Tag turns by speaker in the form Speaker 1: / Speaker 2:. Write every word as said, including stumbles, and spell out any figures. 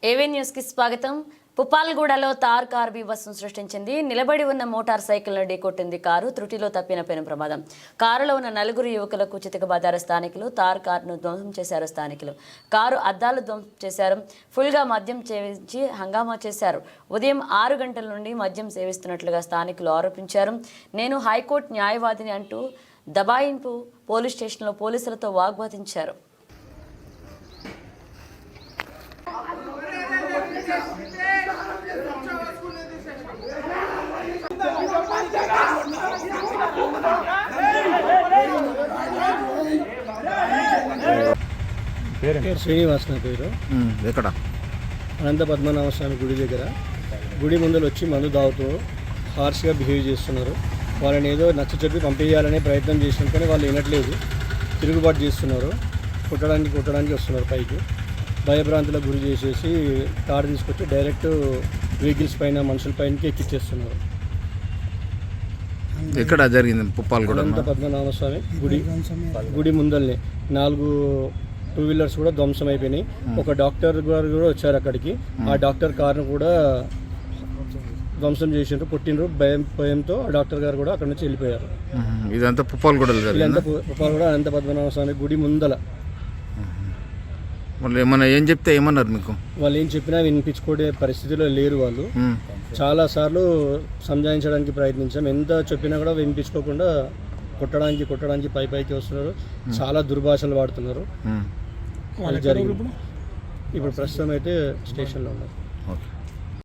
Speaker 1: AV news కి స్వాగతం. పుప్పాలగూడలో తార్ car బీభత్సం సృష్టించింది. నిలబడి ఉన్న మోటార్ సైకిల్ను ఢీకొట్టింది కారు. త్రుటిలో తప్పిన పెను ప్రమాదం. కారులో ఉన్న నలుగురు యువకులకు చితకబాదారు స్థానికులు. తార్ కారును ధ్వంసం చేశారు స్థానికులు. కారు అద్దాలు ధ్వంసం చేశారు. ఫుల్గా మద్యం సేవించి హంగామా చేశారు. ఉదయం ఆరు గంటల నుండి మద్యం సేవిస్తున్నట్లుగా స్థానికులు ఆరోపించారు. నేను హైకోర్టు న్యాయవాదిని అంటూ దబాయింపు పోలీస్ స్టేషన్లో పోలీసులతో వాగ్వాదించారు.
Speaker 2: శ్రీనివాస్ నా పేరు.
Speaker 3: ఎక్కడ?
Speaker 2: అనంత పద్మనాభ స్వామి గుడి దగ్గర. గుడి ముందర వచ్చి మందు తాగుతూ హార్ష్గా బిహేవ్ చేస్తున్నారు. వాళ్ళని ఏదో నచ్చ చెప్పి పంపించాలనే ప్రయత్నం చేసినాం కానీ వాళ్ళు వినట్లేదు. తిరుగుబాటు చేస్తున్నారు. కొట్టడానికి కొట్టడానికి వస్తున్నారు పైకి. భయభ్రాంతులకు గురి చేసేసి కారు తీసుకొచ్చి డైరెక్ట్ వెహికల్స్ పైన మనుషుల పైనకి ఎక్కిచ్చేస్తున్నారు.
Speaker 3: ఎక్కడ జరిగింది? పుప్పాలగూడ
Speaker 2: అనంత పద్మనాభ స్వామి గుడి గుడి ముందల్ని నాలుగు టూ వీలర్స్ కూడా ధ్వంసం అయిపోయినాయి. ఒక డాక్టర్ గారు కూడా వచ్చారు అక్కడికి. ఆ డాక్టర్ కారును కూడా ధ్వంసం చేసిండ్రు, కొట్టిండ్రు. భయం భయంతో ఆ డాక్టర్ గారు కూడా అక్కడ నుంచి వెళ్ళిపోయారు.
Speaker 3: ఇదంతా పుప్పాలగూడ
Speaker 2: ఇదంతా పుప్పాలగూడ అనంత పద్మనాభ స్వామి గుడి ముందల.
Speaker 3: వాళ్ళు ఏమన్నా ఏం చెప్తే ఏమన్నారు మీకు?
Speaker 2: వాళ్ళు ఏం చెప్పినా వినిపించుకోడే పరిస్థితిలో లేరు. వాళ్ళు చాలా సార్లు సంజాయించడానికి ప్రయత్నించాం. ఎంత చెప్పినా కూడా వినిపించుకోకుండా కొట్టడానికి కొట్టడానికి పై పైకి వస్తున్నారు. చాలా దుర్భాషలు వాడుతున్నారు. జరిగింది. ఇప్పుడు ప్రస్తుతం అయితే స్టేషన్లో ఉన్నారు.